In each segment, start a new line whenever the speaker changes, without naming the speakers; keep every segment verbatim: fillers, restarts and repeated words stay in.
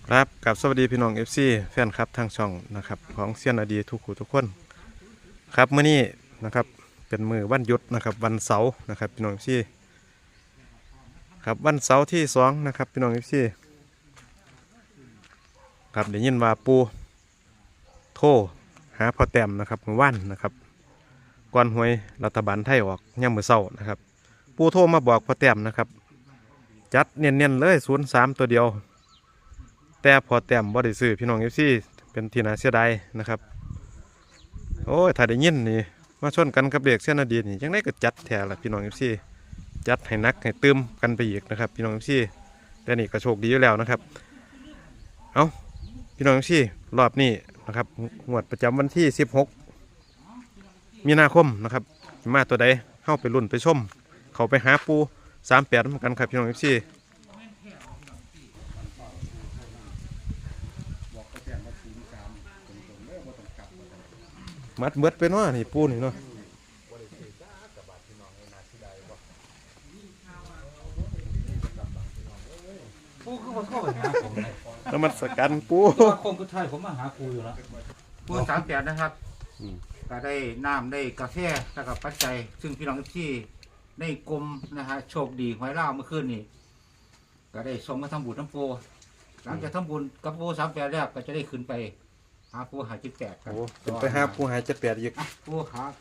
ครับกับสวัสดีพี่น้อง เอฟ ซี แฟนครับทางช่องนะครับของเซียนอดีทุกคู่ทุกคนครับเมื่อนี้นะครับเป็นมือวันหยุดนะครับวันเสาร์นะครับพี่น้อง เอฟ ซี ครับวันเสาร์ที่สองนะครับพี่น้อง เอฟ ซี ครับได้ยินว่าปูโทรหาพ่อแต้มนะครับเมื่อวานนะครับก่อนหวยรัฐบาลไทยออกย่ำมือเสาร์นะครับปูโทรมาบอกพ่อแต้มนะครับจัดเนียนๆเลยศูนย์สามตัวเดียวแต่พอแต้มบ่ได้ซื้อพี่น้อง เอฟ ซี เป็นที่น่าเสียดายนะครับโอ้ยถ้าได้ยินนี่มาชนกันกับเด็กเสี้ยนอดีตนี่ยังได้ก็จัดแถละพี่น้อง เอฟ ซี จัดให้นักให้เติมกันไปอีกนะครับพี่น้อง เอฟ ซี แต่นี่ก็โชคดีอยู่แล้วนะครับเอาพี่น้อง เอฟ ซี รอบนี้นะครับงวดประจำวันที่สิบหกมีนาคมนะครับมาตัวใดเข้าไปรุ่นไปชมเขาไปหาปูสามแปดเหมือนกันครับพี่น้อง เอฟ ซี มัดเบิดไปเนาะนี่ปูนี่เนาะ
ปูคือมาเข้าไปหาผมเลย
แล้วมันสกันปู
ตัวคงกุไทยผมมาหาปูอยู่แล้วปูสามแปดนะครับก็ได้น้ำได้กาแฟแล้วก็ปัจจัยซึ่งพี่น้องที่ได้กลมนะฮะโชคดีหวยล่าเมื่อคืนนี่ก็ได้ส่งมาทำบุญน้ำปูหลังจากทำบุญกับปูสามแปดแล้วก็จะได้ขึ้นไปหาปูหาจิตแปดครับ
โอ้เป็นไปหาปูหายจะแปดอีก
ปูหา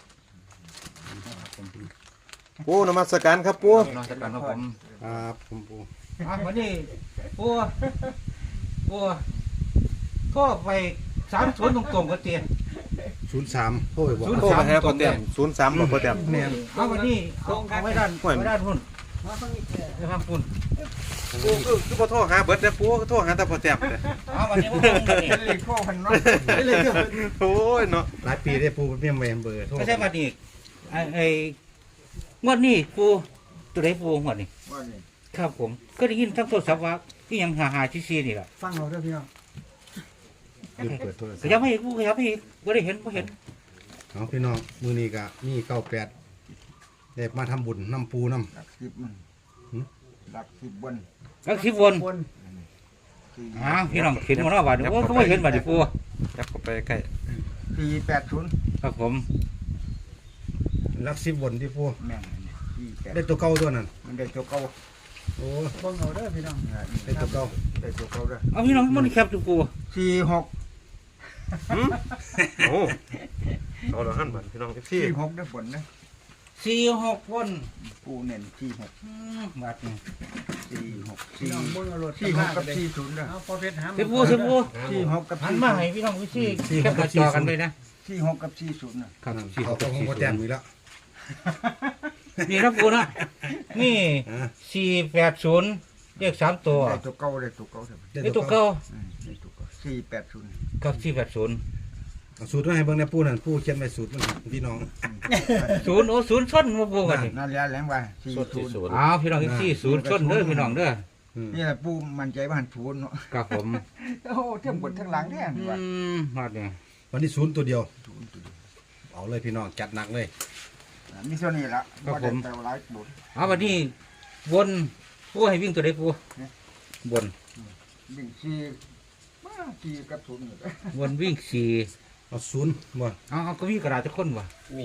ปูนมัสการครับปู
นอนจัดการของผม
ครับผมปู
อ่ะวันนี้ปูปูก็ไปสามสวนตรงๆก็เตียน
ศูนย์สามโอ้ยบอก
ศูนย์
โทรมาหาพ่อแต้มศูนย์สามบอกพ่อแต้ม
เนี่ยเอาวันนี้เอาเอาไว้ด้านไว้ด้านพุ่นไว้ข้างพุ่น
ปูคือคือพ่อโทรหาเบิดเด้อปูโทรหาแต่พ่อแต้มเด้อ
เอาวันนี้มันต้องนี่
เลยพ่อพันเนาะ
โอ้ยเนาะ
หลายปีได้ปูเมี่ยมเวมเบอร์โทษ
ไม่ใช่วันนี้ไอ้ไอ้งวดนี้ปูตัวไหนปูงวดนี้
ว่านี่
ครับผมก็ได้ยินทั้งโทรศัพท์ว่าที่ยังหาหาชี้ๆนี่แหละ
ฟังเราด้วยพี่น้อง
ลืมเปิดโทรศัพ
ขยับ
ท์
ไม่อีกปูขยับไม่อีกก็ได้เห็นก็เห็น
เอาพี่น้องมือนี้ก็มีเก้าแปดเด็กมาทำบุญน้ำปูน้
หลักสิบมันหลักสิบบน
แล้วสิบวน
บน
อ้าวพี่น้องเห็นมาแล้วบาดนี้โอ้ก็ไม่เห็นบาดนี้ปู
จับเข้าไปใกล้
สี่แปดศูนย์
ครับผม
ำรักสิบบนที่ปู
แม่งสี่แปด
ได้ตัวเก่าตัวนั้น
มันได้ตัวเก่า
โอ้
ฟังเราด้วยพี่น้อง
ได้ตัวเก่า
ได้ตัวเก่าด้วย
เอาพี่น้องมันแคบจุปู
สี่หก
หืมโอ้เอาละหั่นบัดพี่น้อง เอฟ ซี
สี่หกได้ผลนะ
สี่หกวน
ปูเน้นสี่หก
อืมบาดนี้
สี่หก
พี่
สี่
น้องบนเอารถ
สี่หกกับสี่ศูนย์ด้วย
เอาพอเพชรหา
สิบปูสิบปู
สี่หกกับ
หัน
สี่
มาให้พี่น้องวิซี่แคบจอกันไปนะ
สี่หกกับสี่ศูนย์นะ
ครับ
นั่น
สี่ห
เขา
ก
ต้องของพ่อแต้มอีกแล้ว
นี่นะปูนะนี่
อ่า
สี่แปดศูนย์เลขสามตัว
ได้ตัวเก่าได้ตัวเก่าได้
นี่ตัวเก้า
ได้ตัวเก่าสี่แปดศูนย์
กับสี่แปดศูนย์
เอาสูตรมาให้เบิ่งในปูนั่นปูเขียนไว้สูตรมันพี่น้อง
ศูนย์โอ้ศูนย์ชนมาปูกันนี่
นั่นแหละแหลงว่าสี่ศูนย์
อ้าวพี่น้องที่ศูนย์ชนเด้อพี่น้องเด้อ
อืม
นี่แหละปูมั่นใจว่าหันศูนย์เนาะ
ครับผม
โอ้เทียบบนทั้งหลังแท้
อื
ว่าม
มาเนี่ย
วันนี้ศูนย์ตัวเดียวเอาเลยพี่น้องจัดหนักเลย
มีส่วนนี้ละว่าได้แต่หลายบุญ
เอาวันนี้บนปูให้วิ่งตัวใดปูบน
วิ่งสี่มาสี่กับศูนย์อยู่เลย
บนวิ่งสี่
เอาศูนย์บ่
เอาเอาก็มีกระดาษจะค้นวะ
มี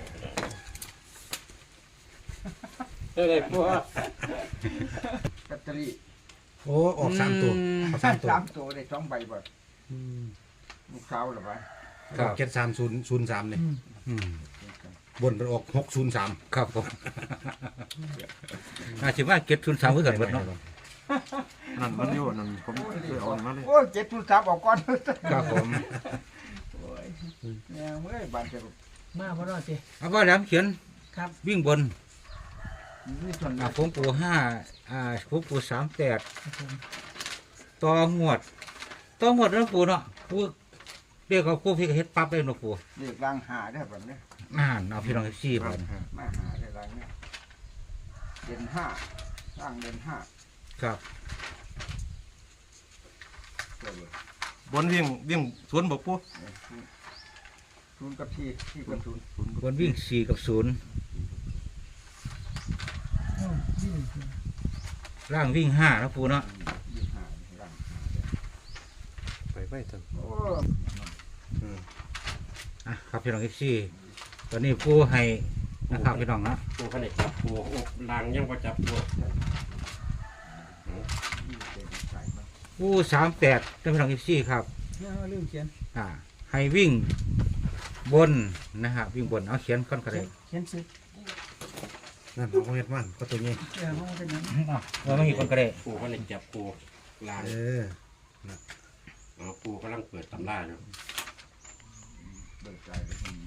ได้ปู
แบตเตอรี่
โอ้ออกสามตัวเอาสามตัว
สามตัวได้สองใบบ่
อืม
ลูกสาวหรือเปล่า
ครับ
เจ็ดสามศูนย์ศูนย์สามเนี่ย
อืม
บนไปออกหกศูนย์สาม
ครับผมอาชิว่าเก็บทุนสามเพื่อกันหมดเนาะ
นั่นมันอยู่นั่นผมเคยเอามาเลย
โอ้ยเจ็ดทุนสามออกก่อน
ครับผม
โอ้ยแม่เมื่อยบานจะ
มาพอรอดสิ
เอาว่าแล้วเขียน
ครับ
วิ่งบน
มีส่วน
อ่าผมปูห้าอ่าผมปูสามแปดต่อหวดต่อหวดแล้วปูเนาะปูเรียกเอาปูพี่ก็เฮ็ดปั๊บได้เนาะปู
เรียกร่างหาได้แบบนี้
อ่านเอาพี่น้องซี่ไป
มาหาได้ร่างเนี่ยเด่นห้าร่างเด่นห้า
ครับ
ตัวเดียว
บนวิ่งวิ่งสวนบอกปู
เนี่ยศูนย์กับที่ที่กับศูนย์
บนวิ่งสี่กับศูนย์ล่างวิ่งห้านะปูเนาะ
ยี่สิบห้าร่างหาได้
ไว้ท่าน
โอ้
อ่ะครับพี่น้องเอฟซีตอนนี้ปูให้นะครับพี่น้องนะ
ปูขนาดจับปูอบลางยังพอจับปู
ปูสามแปดท่านพี่น้องเอฟซีครับ
ลืมเขียน
อ่าให้วิ่งบนนะฮะวิ่งบนเอาเขียนก้อนกระเดง
เขียนซื้อนั่นเอาเฮ็ดมันก็ตัวนี้
เออไม่มีก้อนกระเดง
ปูขนาดจับปูลาง
เออ
อ๋อปูกำลังเปิดตำราอยู่
เบิกใจไปที่นี่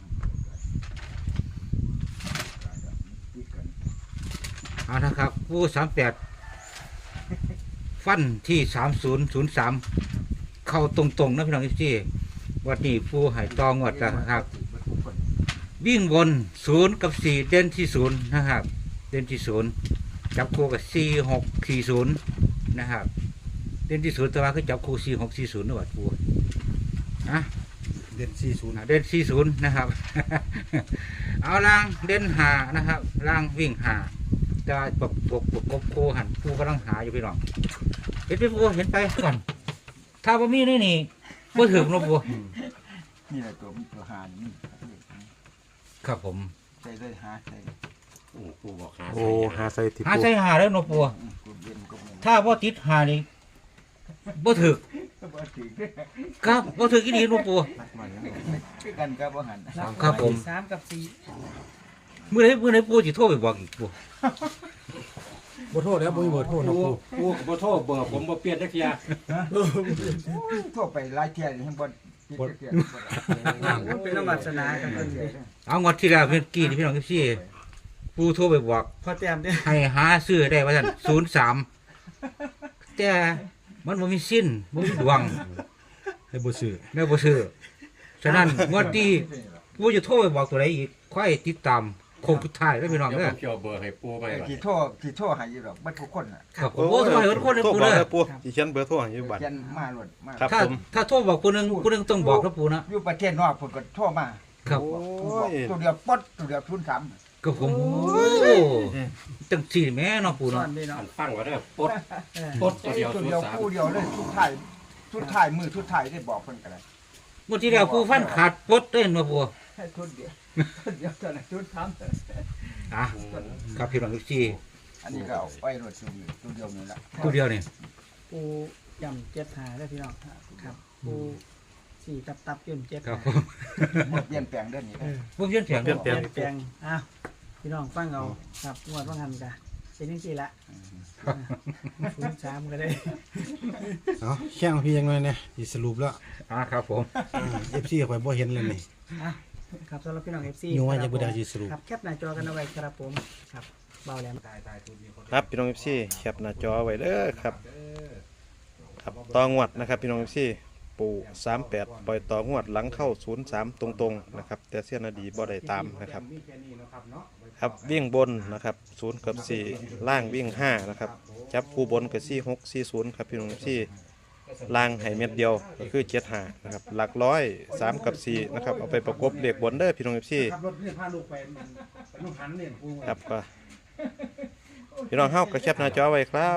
ติดกัน
เอานะครับปูสามแปดฟันที่สามศูนย์ศูนย์สามเข้าตรงๆนะพี่น้องเอฟซีวันนี้ปูให้ตองวดแล้วนะครับ วิ่งบนศูนย์กับสี่เด่นที่ศูนย์นะครับ เด่นที่ศูนย์จับคู่กับสี่หกสี่ศูนย์นะครับ เด่นที่ศูนย์แต่ว่าคือจับคู่สี่หกสี่ศูนย์นะวัดปูนะ
เด่นสี่ศูนย์
อ่าเด่นสี่ศูนย์นะครับ เอาล่างเด่นหานะครับล่างวิ่งหาแต่ว่าปกปกปกกบโคหันปูกำลังหาอยู่พี่น้องเห็นไปปูเห็นไปก่อนถ้าบ่มีนี่นี่บ่ถึงเนาะปู
นี่แหละตัวมันตัวหานี่
ครับผม
ใส่เลยหาใส่
อืมปูบอกหา
โอ้หาใส่ติ
หา
ปู
ใส่หาแล้วเนาะปู
อืมกูเย็นกูเย็น
ถ้าบ่ติดหานี่บ่ถึก
บ่ถึง
ครับบ่ถึกอีหลีเนาะปู
คือกันกับบ่หัน
ครับผม
สามกับสี่
มื้อไหนมื้อไหนปูสิโทรไปบอกอีกปู
บ่โทษแล้วบ่มีบ่โทษนะ
ปู
ปู
ปูกับโทษเบอร์ผมบ่เปลี่ยนจักเทีย
ทั่วไปหลายเที่ยให้บ่ติดเที่ย
เป็นระบัดสนากันเพิ่นเลย
เอางวดที่แล้วเมื่อกี้นี่พี่น้องพี่ปูโทรไปบอก
พอแต้มเด้อ
ให้หาซื้อได้ว่าซั่นศูนย์สามแต่มันบ่มีสิ้นบ่มีดวง
ให้บ่ซื้อ
แม่บ่ซื้อฉะนั้นงวดที่ปูจะโทรไปบอกตัวใดอีกค่อยติดตามโคงสุดท้ายแล้วพี่น้อง
เดี๋ยว
เด้
ผ
อ
มเกี่ยวเบอร์ให้ปูไปก่อน
ที่โทษที่โทษให้อยู่ดอกบ่ทุกคนน่ะ
ครับผมโอ้โทรให้คนเด้อ
โทร
ปู
บอก
เด้อ
แล้วปูสิเขียนเบอร์โทรให้อยู่บัด
เขียนมาโลดมา
ครับ
ถ้า
ผม
ถ้าโทรบอกผู้หนึงผู้หนึงต้องบอกนะปูนะ
อยู่ประเทศนอกพุ่นก็โทรมา
ครับ
โอ้
บอก
ย
ตัวเดียวปดตัวเดียวทุนสาม
ก็ผมโอ้จังสี่แม่เนาะปู
ซ่อ
เนาะ
นด้วยเนาะ
อันฟังไว้เด้อปด
เออ
ปดตัวเดียว
ตัว
ศูน
เดียว
ย์สาม
คู่เดียวเลยทุกถ่ายทุกถ่ายมือทุกถ่ายได้บอกเพิ่นก็ได้
งวดที่แล้วปูฟันขาดปลดเด้เนาะปู
ให้ทุนเดียวทุนเดียวเท่านั้นทุนสาม
อ่ะครับพี่น้องพี่
อันนี้ก็เอาไว้รถตัวเดียวตัวเดียวนี่ละ
ตัวเดียวนี่
ปูจำเจ็ดหาได้อพี่น้องครับปูสี่ตับตับยืนเจ็ด
ครับ
หา
ผม
หมดเปลี่ยนแปลงเด้อนี่
เออ
ผมเขียนเสียง
เปลี่ยนแปลง
เปลี่ยนแปลงอ้าวพี่น้องฟังเอาครับงวดว่างันกะเป็นจังซี่ละศูนย์สามก็ได้
เอาแข่งพี่ยังหน่อยเนี่ยสิสรุปแล้ว
อ่าครับผม
เอฟซีข่อยบ่เห็นเลยนี่
อ่ะครับสำหรับพี่น้องเอฟซี
อยู่ว่าจะบ่ได้สิสรุป
ครับแคปหน้าจอกันเอาไว้ครับผมครับเบาแหลม
ครับพี่น้อง เอฟ ซี แคปหน้าจอไว้เด้อครับครับต่องวดนะครับพี่น้อง เอฟ ซี ปู่สามแปดปล่อยต่องวดหลังเข้าศูนย์สามตรงๆนะครับแต่เสี้ยนอดีบ่ได้ตามนะครับครับวิ่งบนนะครับศูนย์กับสี่ล่างวิ่งห้านะครับจับคู่บนกับสี่หกสี่ศูนย์ครับพี่น้อง เอฟ ซี ล่างให้เม็ดเดียวก็คือเจ็ดห้านะครับหลักร้อยสามกับสี่นะครับเอาไปประกบเลขบนเด้อพี่น้อง เอฟ ซี
ขับรถนี่พาลูกไปลูกหันนี่ปู
ครับก็พี่น้องเฮาก็แคปหน้าจอไว้ครับ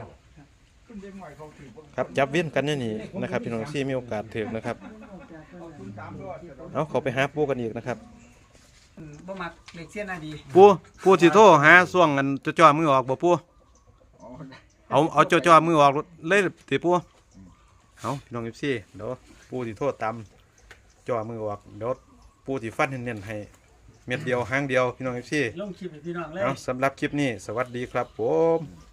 ครับจับเวียนกันนี่นี่นะครับพี่น้องที่มีโอกาสถึงนะครับเอาเขาไปหาปูกันอีกนะครับ
บ่มักเด็กเสี้ยนอดี
ปูปูสิโทรหาส่วงกันจ่อๆมือออกบ่ปูเอาเอาจ่อๆมือออกเลยติปูเอาพี่น้อง เอฟ ซี เดี๋ยวปูสิโทรตามจ่อมือออกเดี๋ยวปูสิฟันเน้นๆให้เม็ดเดียวหางเดียวพี่น้อง เอฟ ซี
ลงคลิปให้พี่น้องเลย
เอาสำหรับคลิปนี้สวัสดีครับผม